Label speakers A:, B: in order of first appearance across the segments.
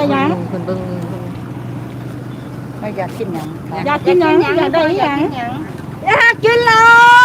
A: ยัง
B: คนเบิ่ง
C: อยากกินหยัง
A: อยากกินยังอยากได้ยังอยากกินเหล้า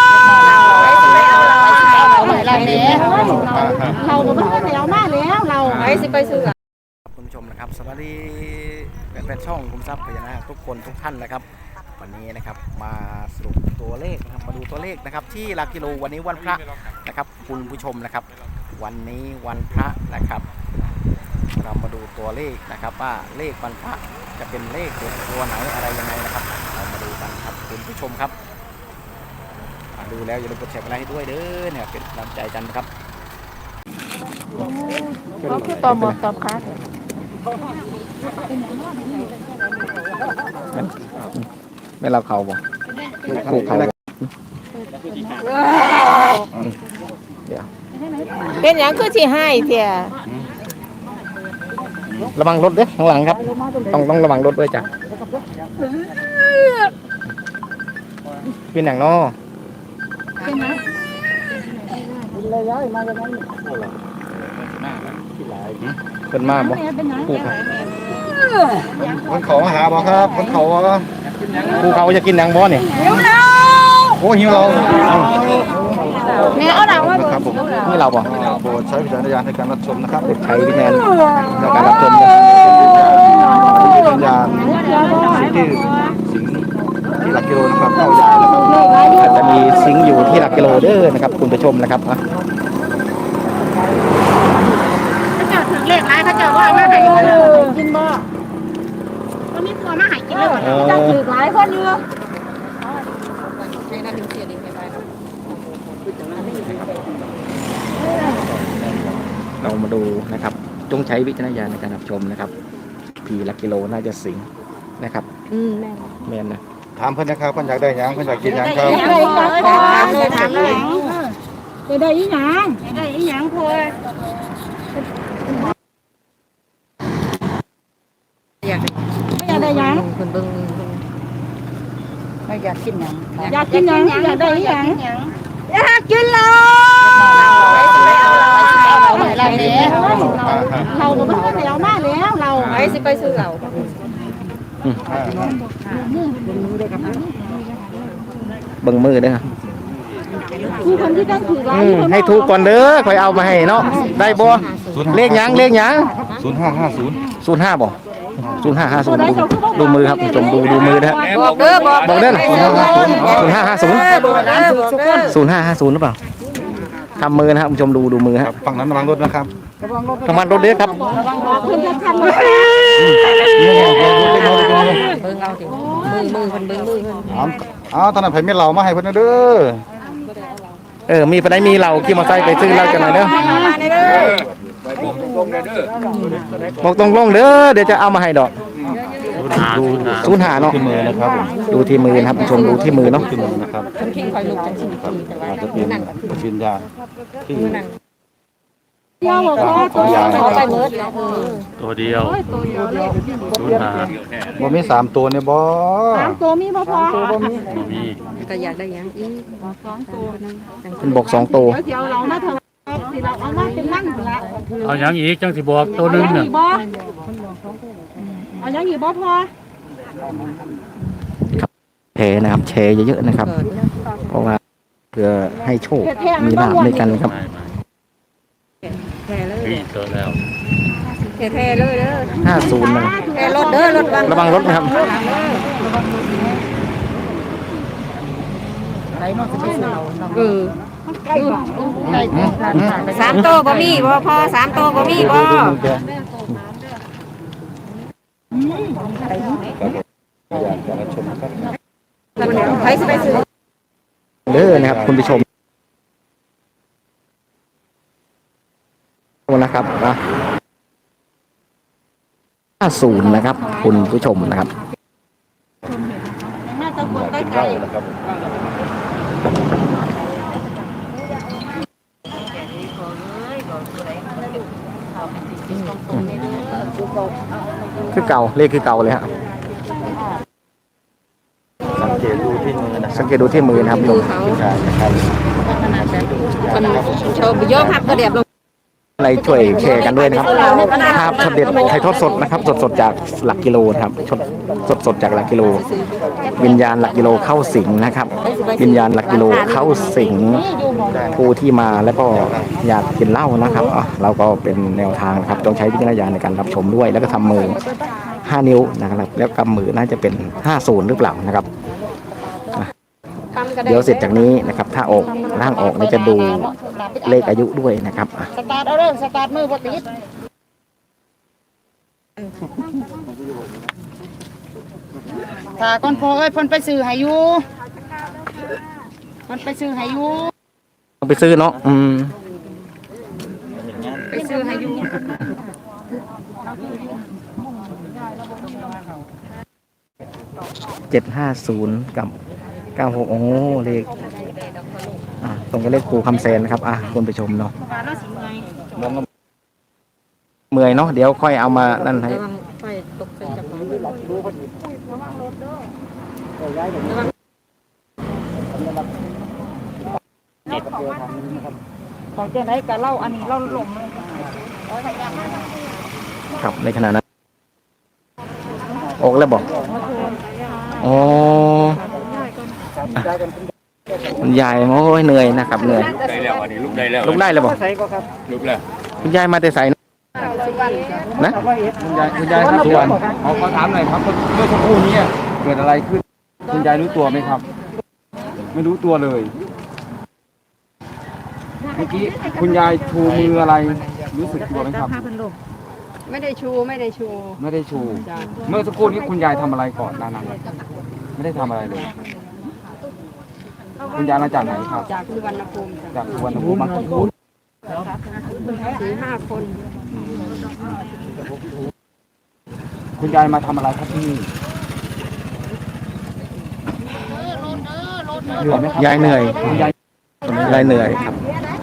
A: เราก็ไม่ได้เอามาแล้วเรา
B: ไปสิไปซื้อ
D: คุณผู้ชมนะครับสวัสดีเป็นช่องคุมทรัพย์พญานาคทุกคนทุกท่านนะครับวันนี้นะครับมาสรุปตัวเลขนะครับมาดูตัวเลขนะครับที่หลักกิโลวันนี้วันพระนะครับคุณผู้ชมนะครับวันนี้วันพระนะครับเรามาดูตัวเลขนะครับว่าเลขวันพระจะเป็นเลขตัวไหนอะไรยังไงนะครับเรามาดูกันครับคุณผู้ชมครับดูแล้วอย่าลืมกดแชร์ไลค์ให้ด้วยเด้อเนี่ยเป็นกำลังใจกันนะครับ
A: เขาคือตอมตอมค้า
D: ไม่รับเขาบ่ผูกเขาเดี๋ยว
B: เป็นอย่างคือที่ให้เถี่ย
D: ระวังรถด้วยข้างหลังครับต้องระวังรถด้วยจ้ะเป็นอย่างนอ
A: ใช่ไหมเลยย้อยมาจากนั้น
D: เป็นมาบ่ผูก
E: คนเขามาหาบ่ครับคนเขา
D: ผูกเขาจะกินอย่างบ่เนี่ย
E: โอ้หิวเรา
A: เนี่ยเอาหนังว่า
E: ครับผม
D: นี่เราบ่
E: โปรดใช้วิจารณญาณในการรับชมนะครับ
D: ใช้วิญญาณในการรับชม
E: วิญญาณที่สิงที่หลักกิโลนะครับเข้ายานะครับ
D: อาจจะมีซิงค์อยู่ที่หลักกิโลเด้อนะครับคุณผู้ชมนะครับ
A: เขาเจอถึงเลขไรเขาเจอว่ามาหายกินบ่ก็มีตัวมาหายกินเลยจะถือหลายคนอยู่
D: เรามาดูนะครับจงใช้วิจารณญาณในการรับชมนะครับทีหลักกิโลน่าจะสิงนะครับแม่นนะ
E: ถามเพื่อนนะครับเพื่อนอยากได้หยังเพื่อนอยากกินหยังครับ
A: ถามเลยจะได้อีหยังได้อีหยังพออยากได้หยัง
B: คนเบิ่ง
C: อยากกินหยัง
A: อยากกินหยังอยากได้อีหยังอยากกินเหล้าเราก็ไม่ได้เอามาแล้วเรา
B: ไปสิไปซื้อเหล้า
D: เบิ่งมือเด้อ
A: คือคนที่ต้องถือไว้
D: ให้ถูกก่อนเด้อค่อยเอามาให้เนาะได้บ่เลขหยัง
E: 0550
D: 05บ่0550ดูมือครับชมดูมือนะฮะ
B: บอกเด้อ
D: บอกเด้อ0550หรือเปล่าทำมือนะครับชมดูมือครับ
E: ฝั่งนั้นระวังรถนะครับ
D: ระวังรถเด้อครับ
A: คุณจะทำ
B: เบิ่งเอาสิมือเพิ่นเบิ่งมือเพิ่
E: นตอนนั้นไผมีเหล้ามาให้เพิ่นเด้
D: อมีไปได้มีเหล้าขี่มอเตอร์ไซค์ไปซื้อเหล้าจังไหนเด้อบอกตรงๆเด้อเดี๋ยวจะเอามาให้ดอกดู05เนาะ
E: ที่มือนะครับ
D: ดูที่มือนะครับชมดูที่มือเนาะ
E: ที่มือนะครับ
B: คิงคอยลุกจังซี่แต่ว่า
E: จะเป็นวิญญาณที่
A: ยาวบอกว่า
B: เขาไปเมิด
F: ตัวเดียว
E: บ่มี3ตัวเนี่ยบ่
A: 3ตัวมีบ่พอ
F: มี
B: ก็อยากได้ยังอีก
A: 2ตัวนึง
D: เป็นบอก2ตัว
A: เดี๋ยวเรามาเถอะสิเราเอามาเป็นนั่งละ
F: เอาอย่างอีกจังสิบอกตัวนึงน่ะ
A: เอาอย่างอีกบ่พอ
D: แชร์นะครับแชร์เยอะๆนะครับเพราะว่าเพื่อให้โชคมีลาภด้วยกันครับ
B: แท้เลย
F: ตัวแล้ว
B: แท้เลยเด้อ
D: 50นะ
B: แท้รถเด้อรถ
D: ระวังรถนะครับ
B: 3 โตบ่มีบ่พอ3 โตบ่มีบ่ไปสิไปซื้อ
D: เด้อนะครับคุณผู้ชมนะครับนะ50นะครับคุณผู้ชมนะครับ
A: น่าจะกดใกล้ๆ
D: คือเก่าเลขคือเก่าเลยฮะ
E: สังเกตดูที่มือนะ
D: สังเกตดูที่มือนะครับ
B: มือเขา
E: นะครับ
B: คนโชว์โยกหักกระเดียบลง
D: อะไรช่วยแชร์กันด้วยนะครับภาพช็อตเด็ดถ่ายทอดสดนะครับสดๆจากหลักกิโลนะครับสดๆจากหลักกิโลวิญญาณหลักกิโลเข้าสิงนะครับวิญญาณหลักกิโลเข้าสิงผู้ที่มาแล้วก็อยากกินเหล้านะครับเราก็เป็นแนวทางครับต้องใช้วิจารณญาณในการรับชมด้วยแล้วก็ทำมือ5 นิ้วนะครับแล้วกำมือน่าจะเป็น50หรือเปล่านะครับเดี๋ยวเสร็จจากนี้นะครับถ้าออกร่างออกเราจะดูเลขอายุด้วยนะครับ
A: สตาร์ทเอาเริ่มสตาร์ทมือบ่ติดถ้าก่อนพอเอ้ยเพิ่นไปซื้อให้อยู่เพิ่นไปซื้อให้อยู่
D: ต้องไปซื้อเนาะ
A: ไปซื้อให้อยู่
D: 750กับ96โอ้เลขตรงกับเลขครูคำแสนนะครับคุณผู้ชมเนาะเมื่อยเนาะเดี๋ยวค่อยเอามานั่นให้
A: ของเจ้าไหนก็เล่าอันนี้เล่าหลง
D: ครับในขณะนั้นออกแล้วบอกอ๋อคุณยายโอ้ยเหนื่อยนะครับเหนื่อย
F: ได้แล้วอันนี้ลุกได้แล้ว
D: ลุกได้แล้วบอก
F: ลุกแล้ว
D: คุณยายมาแต่ใส่นะ
E: คุณยายครับทุกวันขอถามหน่อยครับเมื่อสักครู่นี้เกิดอะไรขึ้นคุณยายรู้ตัวไหมครับไม่รู้ตัวเลยเมื่อกี้คุณยายชูมืออะไรรู้สึกตัวไหมครับ
B: ไม่ได้ชู
E: ไม่ได้ชูเมื่อสักครู่นี้คุณยายทำอะไรก่อนนานๆไม่ได้ทำอะไรเลยคุณยายมาจากไหนครับ
B: จากสุวรรณภูมิ
E: จากสุวรรณภูมิมากี่คน
B: 4-5 คน
E: คุณยายมาทำอะไรครับที่นี่เหนื่อยไหมครับ
D: ยายเหนื่อย
E: คุณยาย
D: ยายเหนื่อยครับ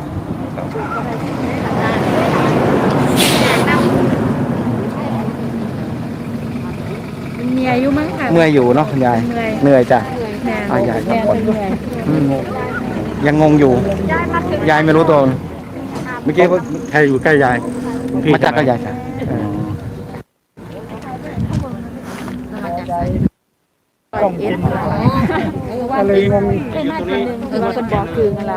B: มีอายุมั้งค่ะ
D: เมื่อยอยู่เนาะคุณยายเหนื่อยจ้ะยายครับยังงงอยู่ยายไม่รู้ตัวเมื่อกี้ใครอยู่ใกล้ยายมาจากก็ยายจ้ะ
E: อะไรงง
B: คนบอกคืออะไร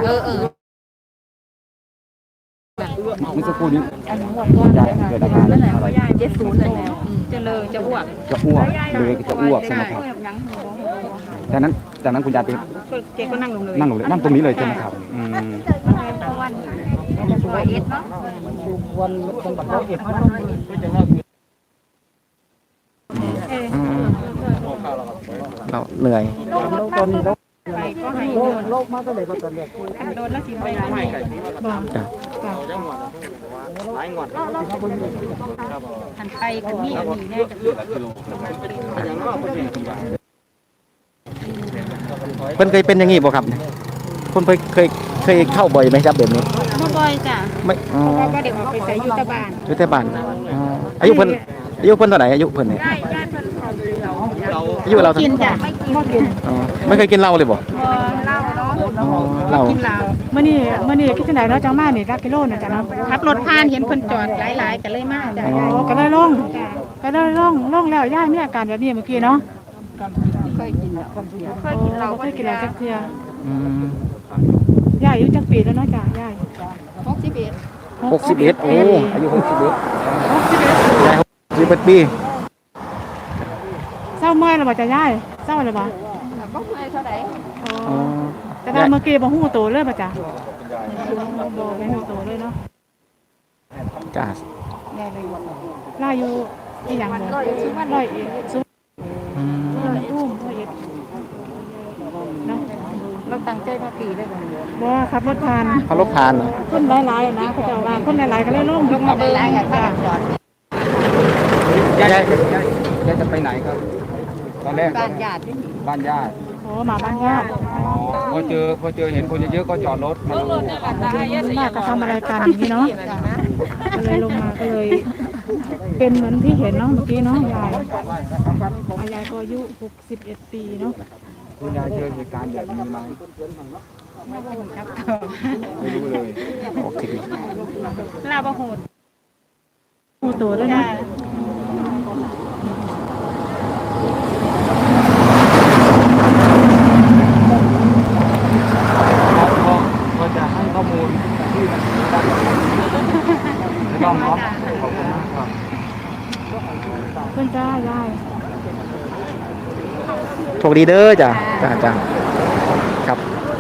E: เมื่อสักครู่นี้คุณยายเกิดอาการอะไร
B: 70แล้วจะเลยจะอ้วก
E: จะอ้วกเลยจะอ้วกใช่ไหมครับจากนั้นคุณยายไป
B: เจ๊ก็นั่งลงเลย
E: นั่งตรงนี้เลยใช่ไหมครับ
D: เราเหนื่อย
A: หันไปกันนี่อันนี้แน่
D: เพิ่นเคยเป็นอย่างงี้บ่ครับคนเคยเข้าบ่อยไหมครับแบบนี้
A: บ่บ่อยจ้ะ
D: ไม่อ๋อ
A: ก็เดี๋ยวออกไปใส่ยุทธบาล
D: อยู่แต่บ้านอายุเพิ่นเท่าไหร่อายุเพิ่นเนี่ยอายุเรา
A: กินจ้ะบ่กิน
D: ไม่เคยกินเหล้าเลยบ่
A: เหล้า
D: เหล้า
A: กินเหล้า
B: มื่อนี้คิดจังไดเนาะจังมานี่รักกิโลน่ะจ้ะเนาะ
A: ขับรถผ่านเห็นเพิ่นจอดหลายๆก็เลยมาจ้ะ
B: ก็ได้ล่องแล้วย่ามีอาการแบบนี้เมื่อกี้เนาะเคยกินเราเคยกินแล้วจักเทื่อย่าอายุจักปีแล้วเนาะจ้ะย่า
D: 61โอ้อายุ61ยาย61ปี
B: เศร้าเมื่อยแล้วบ่จ้ะย่าเศร้าแล้วบ่บ่เมื่อยเท่าใดแต่ว่าเมื่อกี้บ่ฮู้โตเลยบ่จ้ะบ่ไม่ฮู้โตเลยเนาะ
D: จ้า
B: ล่าอยู่อีหยังบ่ร้อยเอ็ดสุวรรณภูมิร้อยเอ็ดเนาะเราตั้งใจมาปีได้บ่ขับรถผ่าน
D: เขารบทานเหรอ
B: คนหลายๆนะเขาเจ้าว่าคนหลายๆก็เลยลงมาเบิ่งค่ะ
E: ยายจะไปไหนครับตอนแรกบ้านญาติ
B: โอ้มาบ้านญาติ
E: พอเจอเห็นคนเยอะๆก็จอดรถมาดู
B: น่าจะทำอะไรกันอย่างนี้เนาะก็เลยลงมาก็เลยเป็นเหมือนที่เห็นเนาะเมื่อกี้เนาะยายก็อายุ61 ปีเนาะ
E: คุณยายเจอเหตุการณ์แบบนี้ไหมไม่รู้เลย
D: ออกทีวี
A: ลาบะโหด
B: หูตัวด้วยนะ
E: ก็จะให้ข้อมูลที่มันได้ไม่ต้องครับขอบคุณมากครับ
B: เพื่อนจ้ายาย
D: โชคดีเด้อจ้ะจ้าครับ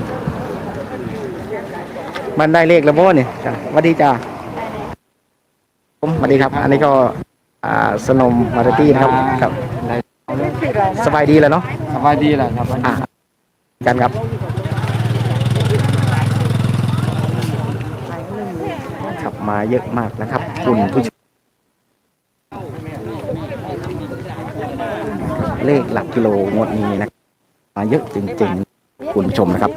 D: มันได้เลขแล้วบ่เนี่ยจ้ะสวัสดีจ้าผมสวัสดีครับ อันนี้ก็สนมมาร์ตี้นะครับครับ สบายดีแล้วเนาะ
E: สบายดีแหละครับ
D: กันครับขับมาเยอะมากนะครับคุณผู้ชมเลขหลักกิโลงวดนี้นะมาเยอะจริงๆคุณผู้ชมนะครับ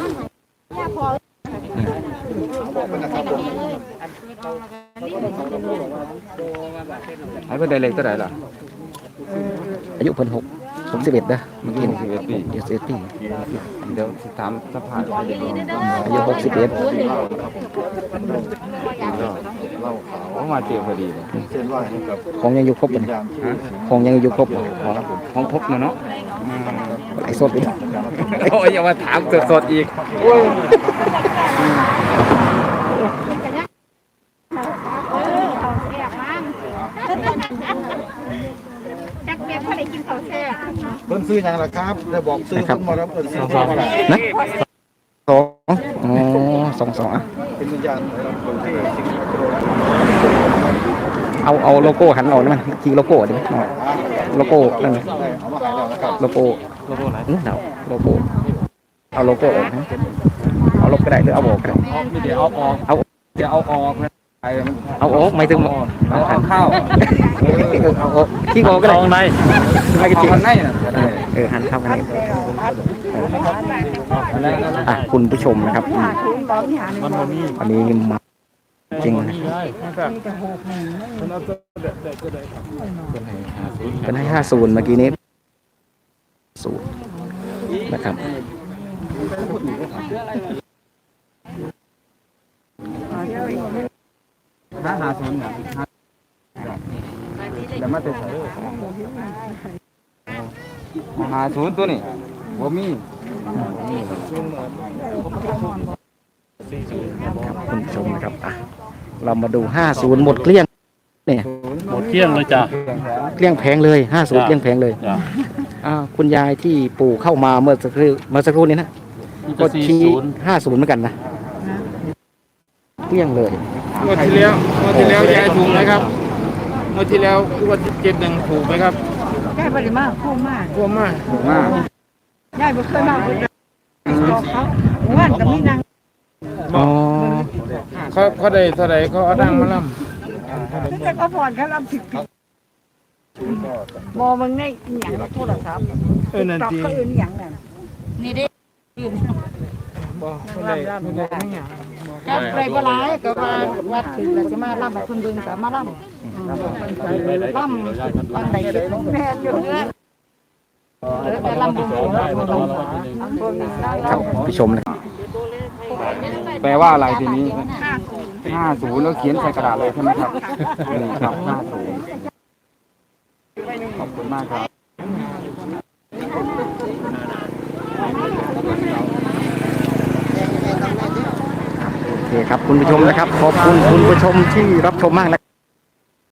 E: ให้เพื่อนได้เลขเท่าไหร่ล่ะ
D: อายุเพิ่น61นะเมื่อกี้
E: 61 ปี
D: 61 ปี
E: เดี๋ยวถามสภาพ
D: อายุ61
E: เขามาเจอพอดีเลย
D: ของยังอยู่ครบเลยของยังอยู่ครบเลย
E: ของพบเนาะ
D: ไอ้สดอีก
E: โอ้ยอย่ามาถามสดๆอีก
A: จักเบียร์เขาได้กินข้าวแซ่บ
C: เพิ่นซื้ออย่างไรครับได้บอกซื้อเพิ่นหมดแล้วเพิ่นซื้ออะไร
D: นะสองอ่ะ
C: เป็นวิญญาณคนที่สิ่งที่
D: เอาโลโก้หันออกได้ไหมจีโลโก้ได้ไหมโลโก้นั่น
C: ได้เอามาขายแล้วนะครับ
D: โลโก้ไหนโลโก้เอาโลโก้ออกนะเอาลบก็ได้หรือเอาออกก็ได้
E: เดี๋ยวเอาออก
D: เอา
E: เดี๋ยวเอาออกนะไอ้มัน
D: เอาออกไม่ถึง
E: เอาเข้า
D: เอาออกที่งอก็ได้ไม่
E: เอา
D: ก็จริง
E: ข้างในน่ะ
D: หันเข้ากันเลยคุณผู้ชมนะครับอันนี้มาจริงนะเป็นให้50เมื่อกี้นี้0นะครับ
E: 50เนี่ยเดี๋ยวมาติด50ตัวนี่บ่มี
D: ครับคุณผู้ชมนะครับเรามาดู50หมดเกลี้ยงเนี่ย
F: หมดเที่ยงเลยจ้ะ
D: เกลี้ยงแผงเลย50เกลี้ยงแผงเลย
F: จ้ะ
D: คุณยายที่ปู่เข้ามาเมื่อสักครู่นี้นะก็ชี้50เหมือนกันนะเกลี้ยงเลย
E: งวดที่แล้วยายถูกไหมครับงวดที่แล้วงวด71ถูกไหมครับ
B: แก้ปริมาพุ่งมาก
E: กลัวมากถูกมาก
B: ยายบ่เคยมาบอกเขาว่านกับมีนาง
D: อ๋อ
E: เขาได้เท่าไหร่เขาเอาดังมาล่
B: แต่ก็ผ่อนเขารับผิดมอมึงในอีหยังโทรศัพท์
E: ำนั่น
B: ตอก
E: ที
B: เขาอื่นอีหยังนั่น
A: นี่เด้
E: บอกไม่ได้ไม่ได้ไม่อยาก
A: จับไรบ่หลายก็ว่าวัดถึงแล้วจะมาล่ำให้เพิ่นเบิ่งก็มาล่ำล่ำบางใดเก็บแม่นอยู่แต่ล่ำบ่ฮู้
D: ครับผู้ชมนะครับ
E: แปลว่าอะไรทีนี้50แล้วเขียนใส่กระดาษเลยใช่ไหมครับนี่ครับ50ขอบคุณมากครับ
D: โอเคครับคุณผู้ชมนะครับขอบคุณคุณผู้ชมที่รับชมมากนะ